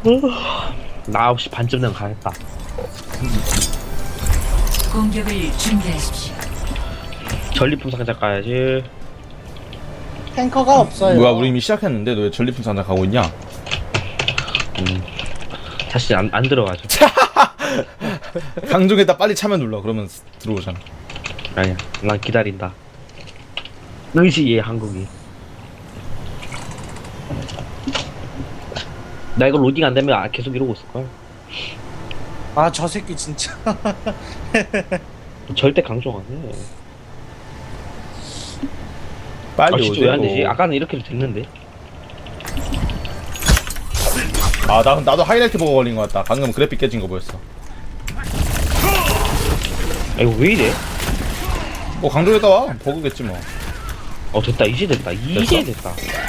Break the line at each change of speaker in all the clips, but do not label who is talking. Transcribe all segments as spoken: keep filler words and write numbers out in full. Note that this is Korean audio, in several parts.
나 아홉 시 반쯤 되면 가겠다.
공격을 준비하십시오.
전리품 상자 가야지.
탱커가 없어요.
뭐야, 우리 이미 시작했는데 너 왜 전리품 상자 가고 있냐?
음. 다시 안, 안 들어가죠.
강종에다 빨리 차면 눌러. 그러면 들어오잖아.
아니야, 난 기다린다. 의지의 한국이. 나 이거 로딩 안 되면 계속 이러고 있을걸.
아, 저 새끼 진짜.
절대 강조 안 해.
빨리
아, 진짜
오세요.
왜 안 되지? 아까는 이렇게도 됐는데.
아, 나, 나도 하이라이트 보고 걸린 것 같다. 방금 그래픽 깨진 거 보였어.
아, 이거 왜 이래?
뭐 강종에다 와. 버그겠지 뭐.
어, 됐다. 이제 됐다. 이제 됐다.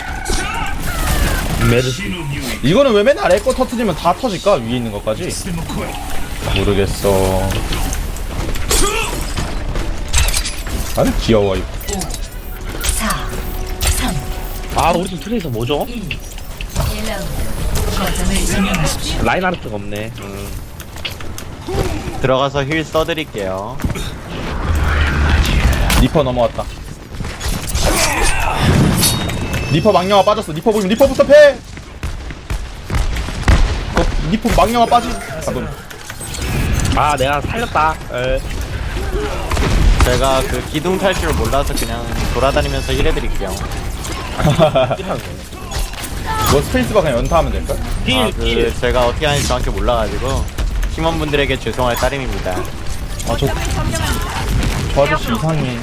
메르스.
이거는 왜 맨날 아래 거 터트리면 다 터질까? 위에 있는 것까지? 모르겠어. 아니 귀여워 이거.
사, 삼,
아, 우리 팀 트레이서 뭐죠?
일 라운드. 거점을 점령하십시오.
라인하르트가 없네. 음.
들어가서 힐 써드릴게요.
리퍼 넘어왔다. 리퍼 망령아 빠졌어. 리퍼 보면 리퍼부터 패. 어, 리퍼 망령아 빠지. 잠깐.
아, 내가 살렸다. 에.
제가 그 기둥 탈 줄 몰라서 그냥 돌아다니면서 힐 해드릴게요.
뭐 스페이스바 그냥 연타하면 될까?
딜,
아, 그
딜.
제가 어떻게 하는지 정확히 몰라가지고 팀원분들에게 죄송할 따름입니다.
아, 저, 저 아저씨 이상해.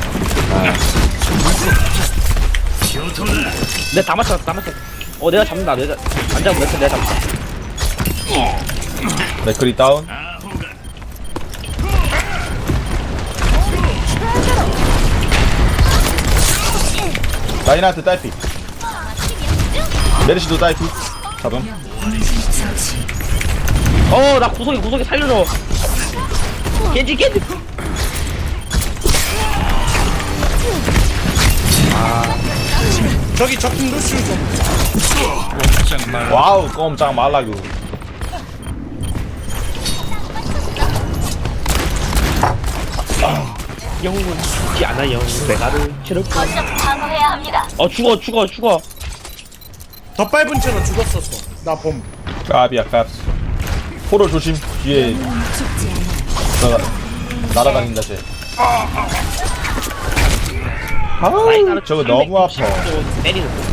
내가 다 맞췄어, 다 맞췄어. 어, 내가 잡는다. 내가 안 잡으면 내가 내가 잡는다.
맥크리 다운. 라인하트 딸피. 메르시도 딸피. 잡음.
어, 나 구석이 구석이 살려줘. 겐지 겐지.
저기 적팀 루시우 좀.
와우 꼼짝 말라고.
영웅은 죽지 않아요. 내가를 치를 거. 어, 죽어 죽어 죽어.
더 밟은 채로 죽었었어. 나 봄.
까비야 깝스. 포로 조심. 뒤에 날아, 날아다닌다 쟤. 아우 저거 너무 아파.
때리는 거.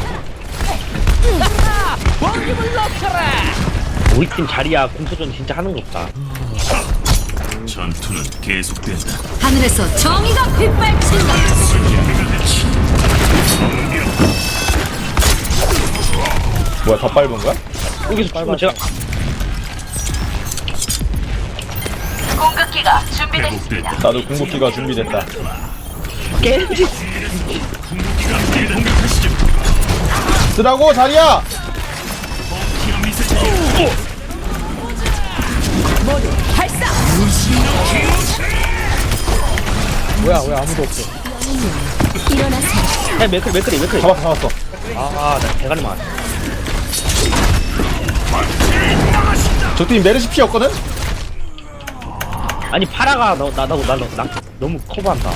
우리 팀 자리야 공소전 진짜 하는 거 없다.
전투는 계속된다.
하늘에서 정의가 빗발친다.
뭐야 더 밟은 거야?
여기서 죽으면 제가
공격기가 준비됐습니다.
나도 궁극기가 준비됐다.
겐지.
쓰라고 자리야.
뭐야, 왜 아무도 없어.
야, 맥크리 맥크리 맥크리.
잡았어 잡았어.
아, 나 대가리 맞.
저팀 메르시 피 없거든?
아니 파라가 너나나나 나, 나, 나, 너무 커버한다.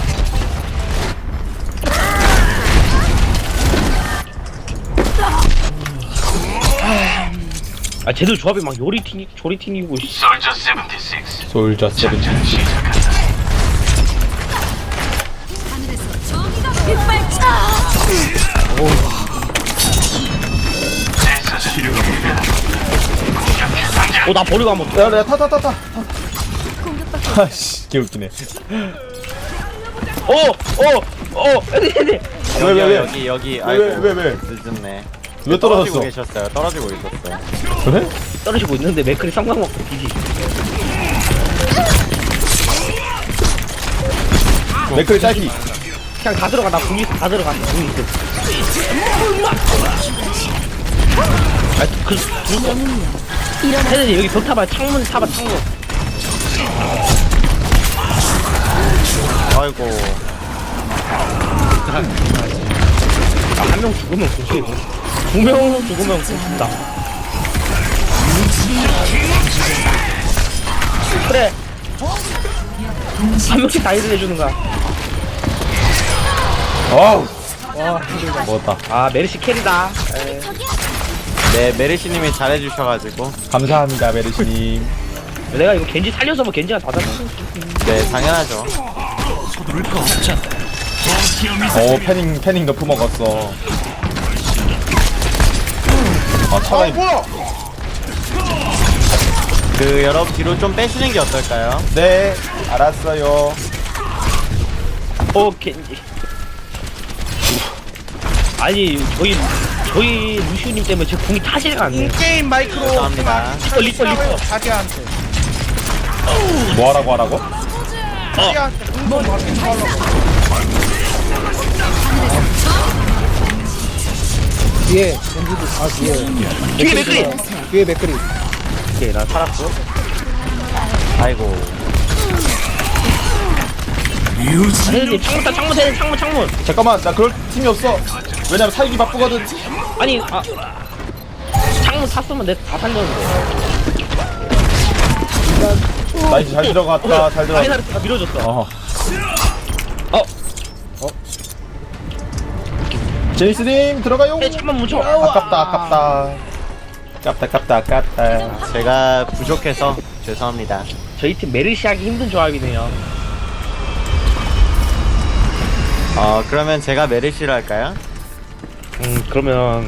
아 쟤들 조합이 막 요리팅 조리팅이고.
솔저 칠십육.
솔저 세븐틴.
하늘에서 정의가 빗발친다.
어나 버리고 한번.
야, 야, 타, 타, 타, 타. 아씨, 개웃기네.
어어어 애들
왜, 왜, 왜?
여기 여기
왜,
아이고
왜, 왜?
늦었네.
왜
떨어지고
떨어졌어?
계셨어요. 떨어지고 있었어요.
그래?
떨어지고 있는데 맥크리 쌍방 먹고 뒤지.
맥클이 딸피.
그냥 다 들어가. 나 분이 다 들어가. 분이 있어. 아그 그거 애들이 여기 벽 타봐. 창문 타봐. 창문.
아이고.
한 명 죽으면 고수해. 두 명 죽으면 고수다. 그래. 한 명씩 다 힐을 해주는 거야.
어우 먹었다.
아 메르시 캐리다.
네, 메르시님이 잘해주셔가지고.
감사합니다 메르시님.
내가 이거 겐지 살려서 뭐 겐지가 다 잡았어.
네, 당연하죠.
서두를 거 없잖아.
오 패닝 패닝 너프 먹었어. 아
아
차라리
뭐야?
그, 여러분 뒤로 좀 빼주는 게 어떨까요?
네 알았어요.
어 겐지. 아니 저희 저희 루시우님 때문에 제 공이 타지가 않네.
인게임 마이크로
감사합니다.
리퍼 리퍼 리퍼.
자기한테
뭐 하라고 하라고?
자기한테 공동 받게 하려고.
뒤에 겐지도 아 뒤에
뒤에 맥크리.
뒤에 맥크리.
오케이 나 살았어.
아이고.
아니 창문 타 창문 타 창문 창문.
잠깐만 나 그럴 팀이 없어. 왜냐면 살기 바쁘거든.
아니 아 창문 탔으면 내가 다 살렸는데.
나 이제 잘 들어갔다 잘 들어갔다.
라인하르트가 밀어줬어.
어.
어.
제이스님 들어가요.
네, 잠만 묻혀.
아깝다 아깝다. 아깝다 아깝다 아깝다.
제가 부족해서 죄송합니다.
저희 팀 메르시 하기 힘든 조합이네요.
어, 그러면 제가 메르시를 할까요?
음 그러면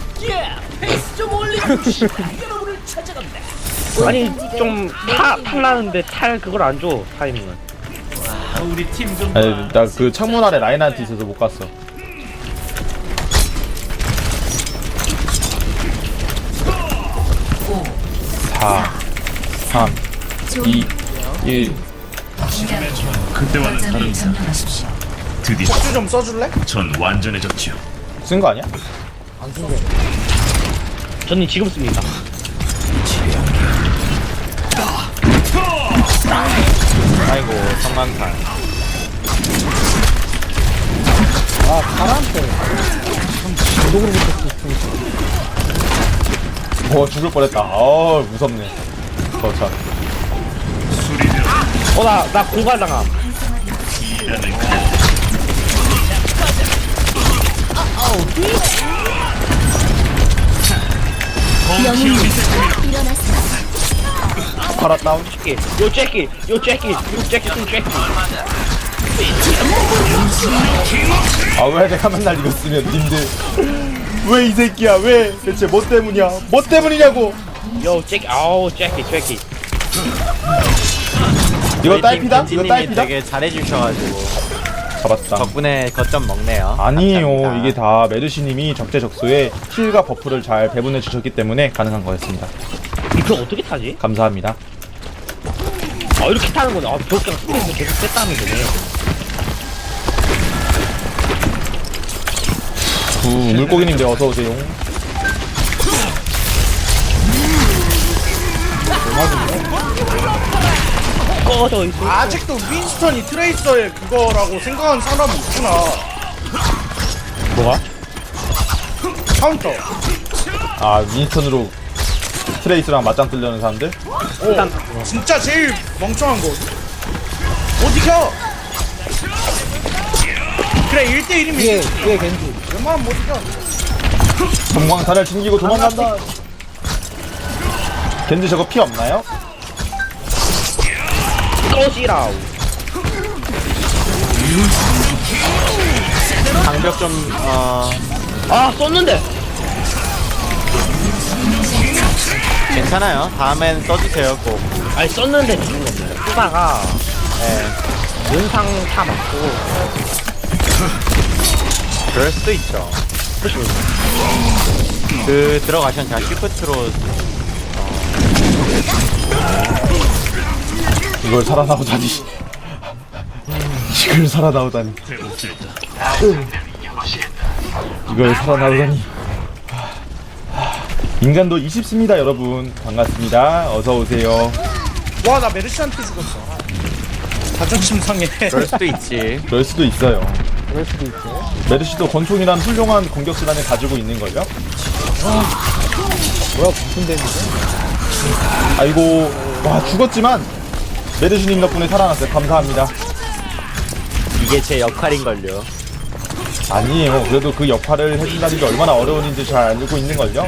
아니 좀타 탈라는데 탈 그걸 안 줘. 타이밍은.
우리 팀좀
아니 나 그 창문 아래 라인한테 있어서 못 갔어. 사, 삼, 이, 일.
그때와는 다른 사. 드디어
수 좀 써줄래?
전 완전해졌죠.
쓴 거 아니야?
저는 지금 씁니다.
아이고, 성광탄.
아 파란색. 중독으로 붙었어.
어 죽을 뻔했다. 어 무섭네. 저참
어나 나 공갈당함.
파라 다운.
잭키, 요 잭키, 요 잭키, 요 잭키 좀 잭키.
아왜 내가 맨날 이거 쓰면 님들 왜 이 새끼야 왜 대체 뭐 때문이야 뭐 때문이냐고.
요 잭키, 아우 잭키, 잭키.
이거 딸피다? 이거
님
딸피다?
되게 잘해주셔가지고
잡았다.
덕분에 거점 먹네요.
아니에요.
감사합니다.
이게 다 메르시님이 적재적소에 힐과 버프를 잘 배분해 주셨기 때문에 가능한 거였습니다.
이거 어떻게 타지?
감사합니다.
아 이렇게 타는 거네. 아 벽장 스프링도 계속 뺐다는 거네.
구 물고기님들 어서 오세요.
꺼져 있어.
아직도 윈스턴이 트레이서의 그거라고 생각하는 사람이 있구나.
뭐가?
카운터.
아 윈스턴으로 트레이스랑 맞짱 뜨려는 사람들?
일단
진짜 제일 멍청한 거. 못 이겨. 그래 일 대 일이면
뒤에 뒤에 겐지.
웬만하면 못 이겨.
금광탄을 챙기고 도망간다. 겐지 저거 피 없나요?
꺼지라우.
방벽 좀, 어,
아 썼는데.
괜찮아요. 다음엔 써주세요, 꼭.
아니 썼는데 죽는 겁니다. 쓰다가
네.
연상 타 맞고.
그럴 수도 있죠.
그렇죠.
그, 들어가시면 제가 시프트로,
이걸 살아나오다니. 이걸 살아나오다니. 이걸 살아나오다니. 인간도 이십습니다 여러분. 반갑습니다. 어서 오세요.
와 나 메르시한테 죽었어. 자존심 상해.
그럴 수도 있지.
그럴 수도 있어요.
그럴 수도 있죠.
메르시도 권총이란 훌륭한 공격 수단을 가지고 있는 걸요.
뭐야 무슨 데미지?
아이고, 와 죽었지만 메르시님 덕분에 살아났어요. 감사합니다.
이게 제 역할인걸요.
아니에요. 그래도 그 역할을 해준다는 게 얼마나 어려운 일인지 잘 알고 있는걸요?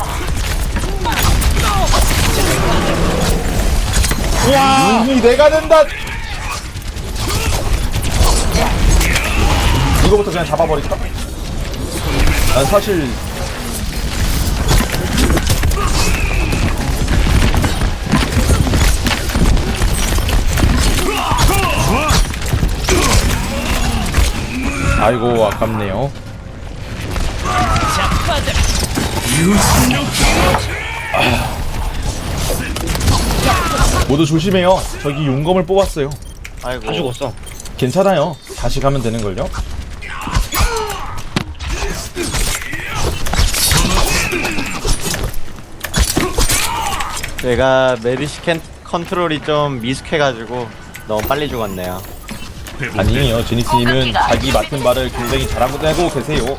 와! 눈이 내가 된다! 이거부터 그냥 잡아버릴까? 난 사실 아이고 아깝네요. 아. 모두 조심해요. 저기 용검을 뽑았어요.
아이고.
다 죽었어.
괜찮아요. 다시 가면 되는걸요?
제가 메르시 캔 컨트롤이 좀 미숙해가지고 너무 빨리 죽었네요.
아니에요. 제니스님은 자기 맡은 바를 굉장히 잘하고 되고 계세요.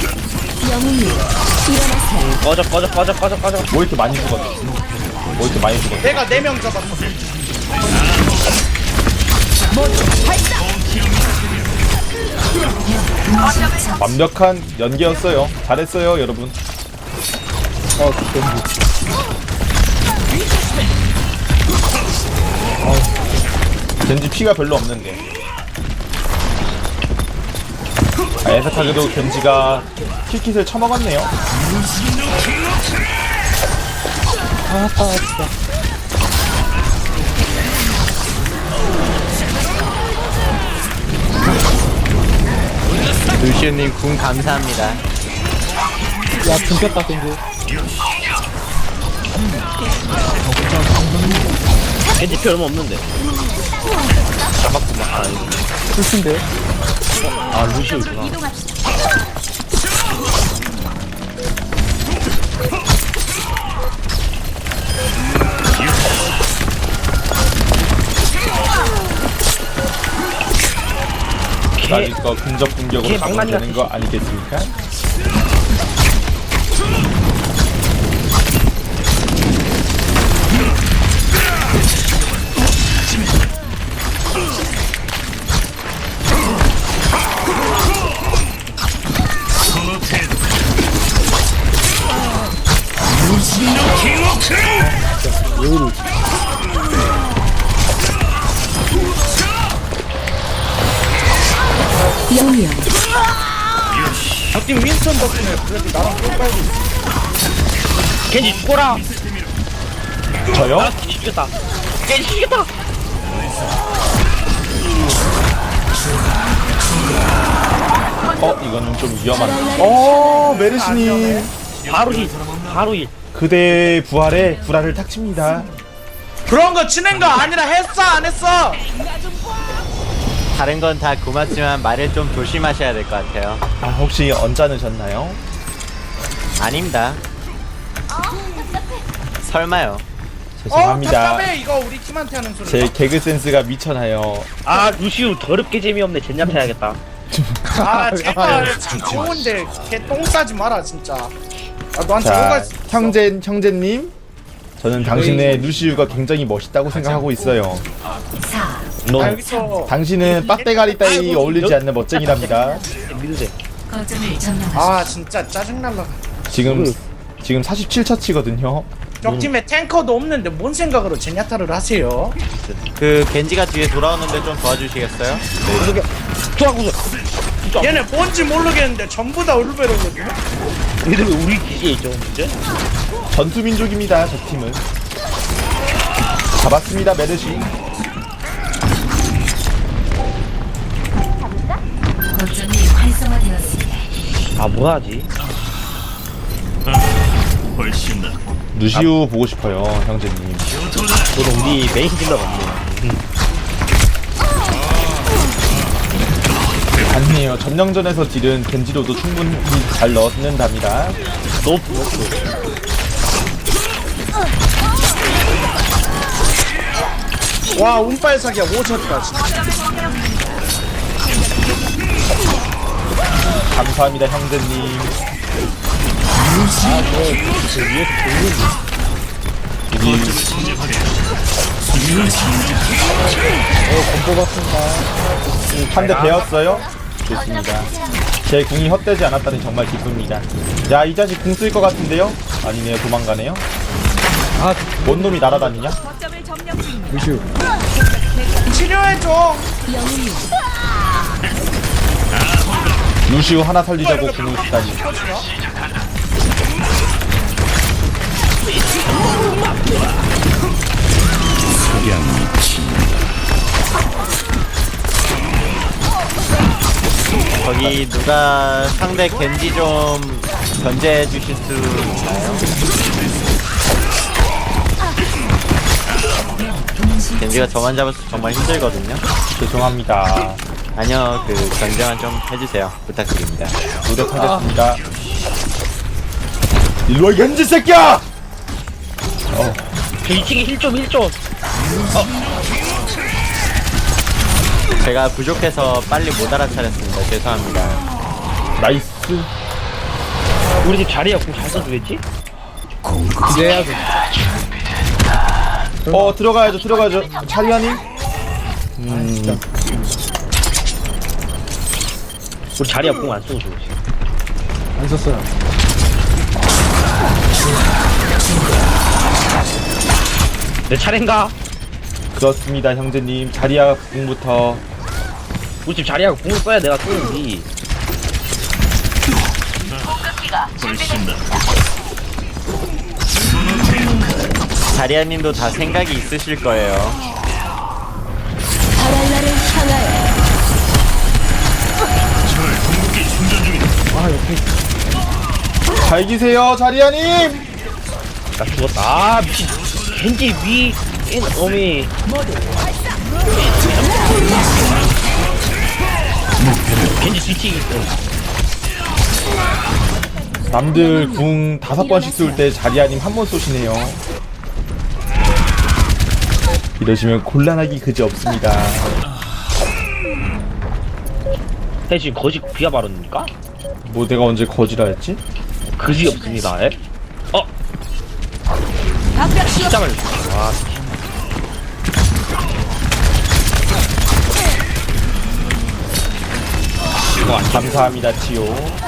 꺼져 꺼져 꺼져 꺼져 꺼져.
뭐 이렇게 많이 죽었어? 뭐 이렇게 많이 죽었어?
내가 네 명 잡았어.
완벽한 연기였어요. 잘했어요, 여러분.
어, 겐지.
겐지 피가 별로 없는데. 아, 애석하게도 겐지가 킬킷을 쳐먹었네요.
아, 진짜.
루시우님 궁 감사합니다.
야, 굶겼다, 겐지.
겐지 피 얼마 없는데. 잡았구만. 아,
불친데?
아 루시오구나.
나질 거 근접 공격으로
걔
잡으면
망나니
되는 거 아니겠습니까?
영영
적팀 윈스턴 덕분에 그래도 나랑 꿀빨고 있어.
겐지 죽어라.
저요?
아 겐지 죽였다. 겐지 죽였다.
어, 이거는 좀 위험한데. 어, 메르시님.
바로 힐. 바로 힐.
그대의 부활에 불화를 탁칩니다.
그런 거 치는 거 아니라 했어 안 했어?
다른 건 다 고맙지만 말을 좀 조심하셔야 될 것 같아요.
아, 혹시 언짢으셨나요?
아닙니다. 설마요.
어
죄송합니다.
답답해 이거 우리 팀한테 하는 소리.
제 개그 센스가 미쳐나요.
아 루시오 더럽게 재미없네. 젠야타 해야겠다.
아 제발 참 좋은데 걔 똥 싸지 마라 진짜. 아 너한테
자,
뭐가 있어?
형제, 형제님. 저는 당신의 루시우가 굉장히 멋있다고 생각하고 있어요.
사
너
아, 여기서
당신은 빡대가리 따위 어울리지 않는 멋쟁이랍니다.
믿으세요.
거점을 점령하십시오.
아 진짜 짜증날라.
지금, 지금 사십칠 차치거든요.
적팀에 탱커도 없는데 뭔 생각으로 제냐타를 하세요?
그 겐지가 뒤에 돌아오는데 좀 도와주시겠어요?
투하구서.
얘네 뭔지 모르겠는데 전부 다 울베로거든요?
얘들 왜 우리 기지에 있죠 문제?
전투민족입니다, 저 팀은. 잡았습니다, 메르시.
거점이 활성화되었습니다.
아 뭐하지?
훨씬 낫고.
루시우 보고 싶어요, 형제님.
저는 우리 메인 딜러가 없네요.
아니에요. 점령전에서 딜은 겐지로도 충분히 잘 넣는답니다.
노프 노프.
와 운빨 사기야 오졌다 진짜.
감사합니다, 형제님. 아, 그 위에서 님 한 대 배웠어요? 좋습니다. 제 궁이 헛되지 않았다니 정말 기쁩니다. 야, 이 자식 궁 쓸 것 같은데요? 아니네요, 도망가네요.
아,
뭔 놈이 날아다니냐?
루시우.
치료해줘.
루시우 하나 살리자고 궁을 쓰다니.
거기 누가 상대 겐지 좀 견제해 주실 수 있나요? 겐지가 저만 잡아서 정말 힘들거든요.
죄송합니다.
아니요, 그 견제만 좀 해주세요. 부탁드립니다.
노력하겠습니다. 일로와, 이 겐지 새끼야!
저 이 층에 힐 좀 힐 좀.
제가 부족해서 빨리 못 알아차렸습니다. 죄송합니다.
나이스.
우리 집 자리야 공잘 써주겠지?
기대해야죠.
어, 들어가야죠, 들어가야죠. 차리아님? 음,
우리 자리야 공 안 써줘 지금.
안 썼어요.
내 차례인가?
그렇습니다, 형제님. 자리아 궁부터.
우리 집 자리야 공을 써야 내가 쏘는지.
자리아님도 다 생각이 있으실 거예요.
잘 기세요, 자리아님!
나 죽었다. 아 미친. 겐지 위. 인 어미. 겐지 뒤치기 있어.
남들 궁 다섯 번씩 쏠 때 자리아님 한 번 쏘시네요. 이러시면 곤란하기 그지 없습니다.
해 지금 거짓 비하 발언입니까?
뭐 내가 언제 거지라 했지?
그지 없습니다. 에? 어? 시장을. 와. 이거 안
감사합니다, 치요.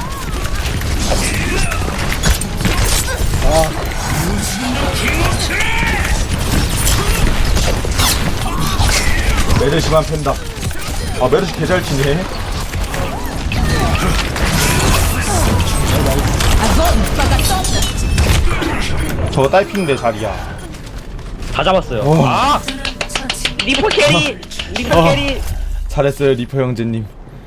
메르시만 팬다. 아, 메르시 개잘 치네. 저거 딸핀데 자리야.
다 잡았어요.
어.
아! 리퍼 캐리! 리퍼
어.
캐리!
잘했어요, 리퍼 형제님.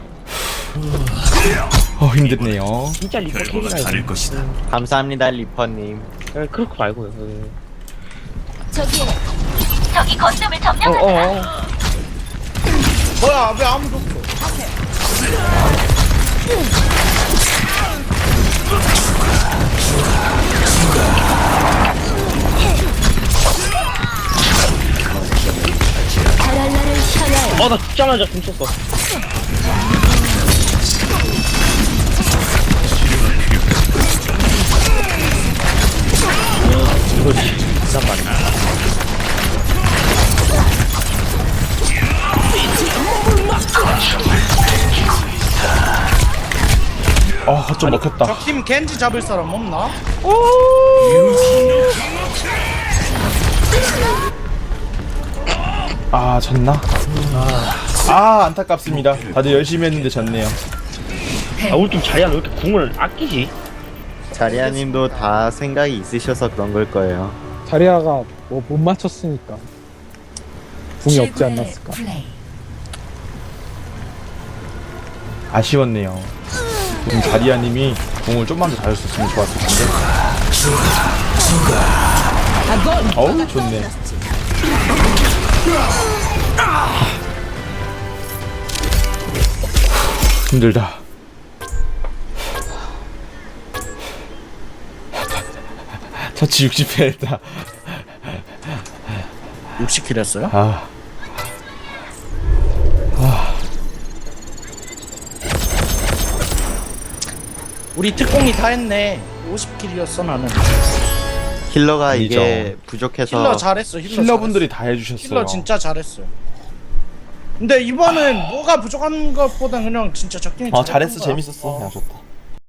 어, 힘드네요.
진짜 리퍼 캐리가
결과가 다를 것이다.
감사합니다, 리퍼님.
예, 그렇고 말고요. 예.
저기 저기 거점을
어,
점령한다.
어, 어.
뭐야 왜 아무도 없어?
바랄라를 향하여
어, 나 죽자마자 궁 쳤어. 그렇지. 잠깐만.
아, 좀 먹혔다.
적팀 겐지 잡을 사람 없나?
아, 졌나? 아, 안타깝습니다. 다들 열심히 했는데 졌네요.
아, 우리 좀 자리야, 왜 이렇게 궁을 아끼지?
자리아님도 다 생각이 있으셔서 그런 걸 거예요.
자리아가 뭐 못 맞췄으니까 궁이 없지
최고의
않았을까.
플레이.
아쉬웠네요. 지금 자리아님이 공을 좀만 더 잘했었으면 좋았을 텐데. 어우, 좋네. 힘들다. 터치 육십 회 했다.
육십 킬 했어요?
아,
우리 특공이 다 했네. 오십 킬이었어 나는.
힐러가
아니죠.
이게 부족해서
힐러 잘했어. 힐러
힐러분들이
잘했어.
다 해주셨어요.
힐러 진짜 잘했어. 근데 이번엔 뭐가 부족한 것보다 그냥 진짜 적당히
어
잘했던
잘했어
거야.
재밌었어.
어.
야 좋다.